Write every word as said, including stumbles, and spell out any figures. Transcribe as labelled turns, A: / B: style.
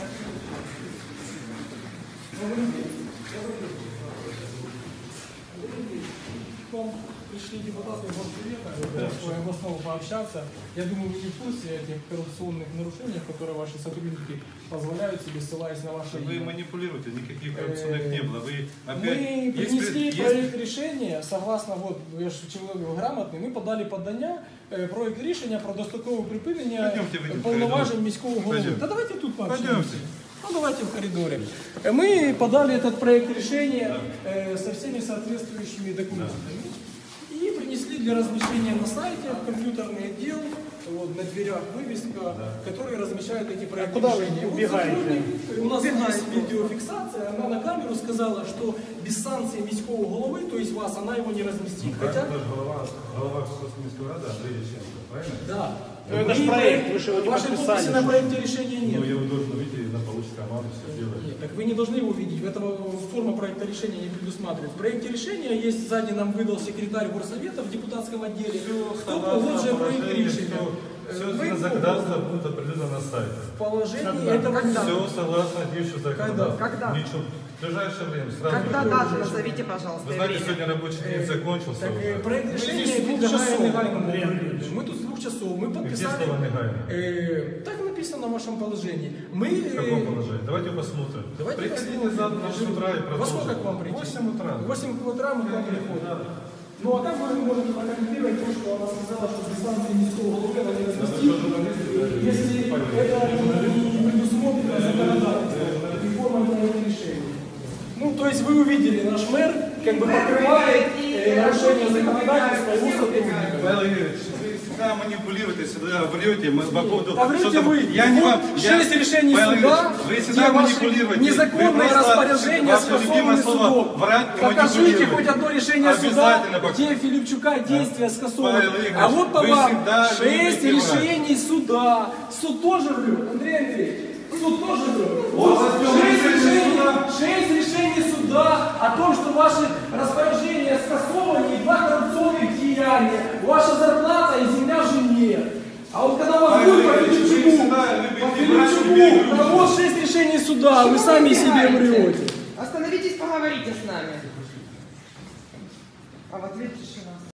A: Пришли депутаты Горсовета, в основу пообщаться. Я думаю, вы не в курсе этих коррупционных нарушений, которые ваши сотрудники позволяют себе, ссылаясь на ваши...
B: Вы манипулируете, никаких коррупционных не было. Вы опять...
A: Мы принесли
B: есть,
A: проект
B: есть...
A: решения, согласно, вот, я же человек грамотный, ми подали подання, проект рішення про дострокове припинення повноважень міського голови. Да давайте тут пообщаемся. Ну давайте в коридоре. Мы подали этот проект решения э, со всеми соответствующими документами и принесли для размещения на сайте в компьютерный отдел, вот, на дверях вывеска, который размещает эти проекты
C: а
A: решения.
C: Куда вы убегаете?
A: У нас есть видеофиксация, она на камеру сказала, что без санкции міського головы, то есть вас, она его не разместит.
B: Ну,
A: Хотя...
B: голова, голова Міської ради Андрей Ященко, правильно?
A: Да.
C: Ну, это же проект, вы же его не
A: Вашей
C: подписали.
A: подписи на проекте решения нет.
B: Ну, я его должен увидеть, на получит команду, все делает.
A: Нет, так вы не должны его видеть. Этого форма проекта решения не предусматривает. В проекте решения есть, сзади нам выдал секретарь горсовета в депутатском отделе. Кто погоджує проект решения.
B: Все законодательство будет определено на сайте.
A: Положение этого
B: Все согласно действующему законодательству.
D: Когда?
B: Ничего. В ближайшее время, сразу.
D: Когда дату назовите, пожалуйста,
B: Вы знаете,
D: время.
B: сегодня рабочий день закончился.
A: Так,
B: уже.
A: проект решения
C: здесь двух
A: подлежает
C: часов,
A: негайному
C: Андрей
A: управлению. Мы тут с двух часов. Мы
B: Где
A: подписали.
B: слово негайно?
A: Э, так написано в вашем положении. Мы,
B: В каком положении? Давайте посмотрим.
A: Давайте
B: Приходите
A: посмотрим.
B: завтра в восемь утра и
A: Во
B: продолжим.
A: сколько к вам прийти?
B: В восемь утра.
A: В восемь утра мы к вам приходим. Ну а как вы можете прокомментировать то, что она сказала, что без санкции міського голови она не разместит, если это не предусмотрено законодательством и формой проекта решения? Ну, то есть вы увидели, наш мэр как бы покрывает э, нарушение законодательства его сотрудников.
B: Павел Юрьевич, вы всегда манипулируете, всегда врете мы по поводу...
A: А врете
B: что-то-
A: вы.
B: Я не
A: Вот
B: вам... я-
A: шесть решений
B: Павел
A: суда,
B: Юрьевич, вы всегда
A: где ваши
B: манипулируете.
A: незаконные
B: Вы просто-
A: распоряжения
B: ваше любимое
A: скасованы
B: слово
A: судом.
B: врать и
A: Покажите
B: манипулировать.
A: хоть одно решение суда,
B: Обязательно покажу.
A: где Филипчука действия скасованы.
B: Павел Игоревич,
A: А вот по
B: вы
A: вам
B: всегда
A: шесть
B: любите врать.
A: решений суда. Суд тоже врет, Андрей Андреевич. Суд тоже врет. Вот шесть решений, шесть решений суда о том, что ваши распоряжения скасованы и два коррупционных деяния. Ваша зарплата и земля жене. А вот когда вас будет по Филипчуку, по Филипчуку, да вот шесть решений суда, вы сами себе врете.
D: Остановитесь, поговорите с нами. А в ответ тишина.